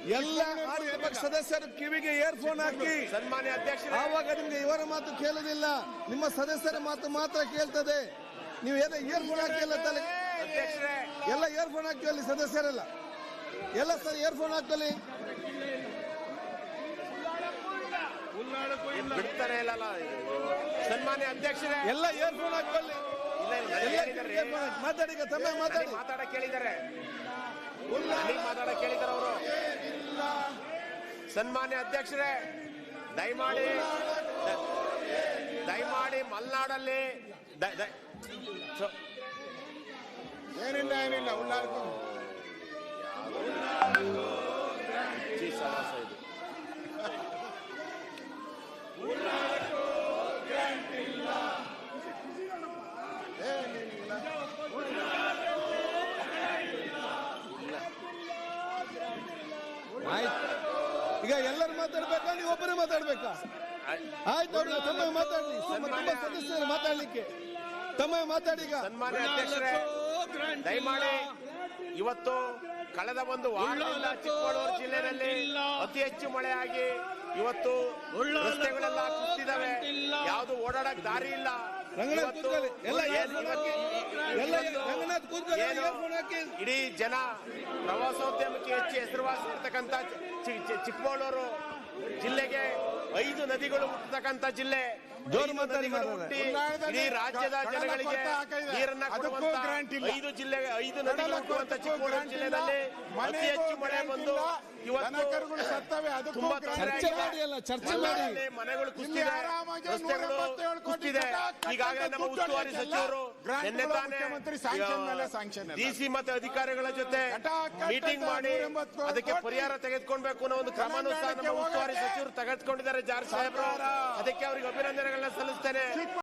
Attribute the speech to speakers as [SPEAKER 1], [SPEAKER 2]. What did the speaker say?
[SPEAKER 1] ಎಲ್ಲ ಆಡಳಿತ ಪಕ್ಷ ಸದಸ್ಯರು ಕಿವಿಗೆ ಇಯರ್ಫೋನ್ ಹಾಕಿ.
[SPEAKER 2] ಸನ್ಮಾನ್ಯ ಅಧ್ಯಕ್ಷರೇ,
[SPEAKER 1] ಆವಾಗ ನಿಮ್ಗೆ ಇವರ ಮಾತು ಕೇಳುದಿಲ್ಲ, ನಿಮ್ಮ ಸದಸ್ಯರ ಮಾತು ಮಾತ್ರ ಕೇಳ್ತದೆ. ನೀವು ಏನೋ ಇಯರ್ಫೋನ್ ಹಾಕಿ ಎಲ್ಲ ತಲೆ
[SPEAKER 2] ಅಧ್ಯಕ್ಷರೇ,
[SPEAKER 1] ಎಲ್ಲ ಇಯರ್ಫೋನ್ ಹಾಕಿ ಸದಸ್ಯರೆಲ್ಲ ಎಲ್ಲ ಸರ್ ಇಯರ್ಫೋನ್ ಹಾಕಲಿ.
[SPEAKER 2] ಬಿಡ್ತಾರೆ ಇಲ್ಲ. ಸನ್ಮಾನ್ಯ ಅಧ್ಯಕ್ಷರೇ,
[SPEAKER 1] ಎಲ್ಲ ಇಯರ್ಫೋನ್ ಹಾಕಲಿ. ಮಾತಾಡಿ ತಮ್ಮ
[SPEAKER 2] ಮಾತಾಡಕ್ ಕೇಳಿದ್ದಾರೆ ಅವರು. ಸನ್ಮಾನ್ಯ ಅಧ್ಯಕ್ಷರೇ, ದಯಮಾಡಿ ಮಲೆನಾಡಲ್ಲಿ
[SPEAKER 3] ಏನಿಲ್ಲ ಉಳ್ಳಾಡ್ಕೊ
[SPEAKER 1] ಈಗ ಎಲ್ಲರೂ ಮಾತಾಡ್ಬೇಕಾ, ನೀವು ಒಬ್ಬರೇ ಮಾತಾಡ್ಬೇಕಾ? ಆಯ್ತು, ಅವ್ರಿಗೆ ತಮ್ಮ ಮಾತಾಡ್ಲಿ, ತುಂಬಾ ಸದಸ್ಯರು ಮಾತಾಡ್ಲಿಕ್ಕೆ ತಮ್ಮ ಮಾತಾಡಿ. ಈಗ
[SPEAKER 2] ಸನ್ಮಾನ್ಯ ಅಧ್ಯಕ್ಷರೇ, ದಯಮಾಡಿ ಇವತ್ತು ಕಳೆದ ಒಂದು ವಾರದಿಂದ ಚಿಕ್ಕಮಗಳೂರು ಜಿಲ್ಲೆಯಲ್ಲಿ ಅತಿ ಹೆಚ್ಚು ಮಳೆಯಾಗಿ ಇವತ್ತು ರಸ್ತೆಗಳೆಲ್ಲ ಕುಸಿದಿದ್ದಾವೆ. ಯಾವುದು ಓಡಾಡಕ್ ದಾರಿ ಇಲ್ಲ. ಇಡೀ ಜನ ಪ್ರವಾಸೋದ್ಯಮಕ್ಕೆ ಹೆಚ್ಚು ಹೆಸರುವಾಸಿ ಇರ್ತಕ್ಕಂಥ ಚಿಕ್ಕಮಗಳೂರು ಜಿಲ್ಲೆಗೆ 5 ನದಿಗಳು ಹುಟ್ಟತಕ್ಕಂಥ ಜಿಲ್ಲೆ. ಇಡೀ ರಾಜ್ಯದ ಜನಗಳಿಗೆ ನೀರನ್ನ ಕೊಡುವಂತ 5 ನದಿಗಳು ಹುಟ್ಟುವಂತ ಚಿಕ್ಕಮಗಳೂರು ಜಿಲ್ಲೆಯಲ್ಲಿ ಅತಿ ಹೆಚ್ಚು ಮಳೆ ಬಂದು ಇವತ್ತು ತುಂಬಾ ಮನೆಗಳು ಕುಸಿದಿದೆ, ರಸ್ತೆಗಳು ಕುಸಿದಿದೆ. ಈಗಾಗಲೇ ನಮ್ಮ ಉಸ್ತುವಾರಿ ಸಚಿವರು ನಿನ್ನೆ ತಾನೇ ಡಿಸಿ ಮತ್ತೆ ಅಧಿಕಾರಿಗಳ ಜೊತೆ ಮೀಟಿಂಗ್ ಮಾಡಿ ಅದಕ್ಕೆ ಪರಿಹಾರ ತೆಗೆದುಕೊಳ್ಬೇಕು ಅನ್ನೋ ಒಂದು ಕ್ರಮನೂ ಸಹ ನಮ್ಮ ಉಸ್ತುವಾರಿ ಸಚಿವರು ತೆಗೆದುಕೊಂಡಿದ್ದಾರೆ. ಜಾರ್ಜ್ ಸಾಹೇಬ್ರು, ಅದಕ್ಕೆ ಅವರಿಗೆ ಅಭಿನಂದನೆಗಳನ್ನ ಸಲ್ಲಿಸ್ತೇನೆ.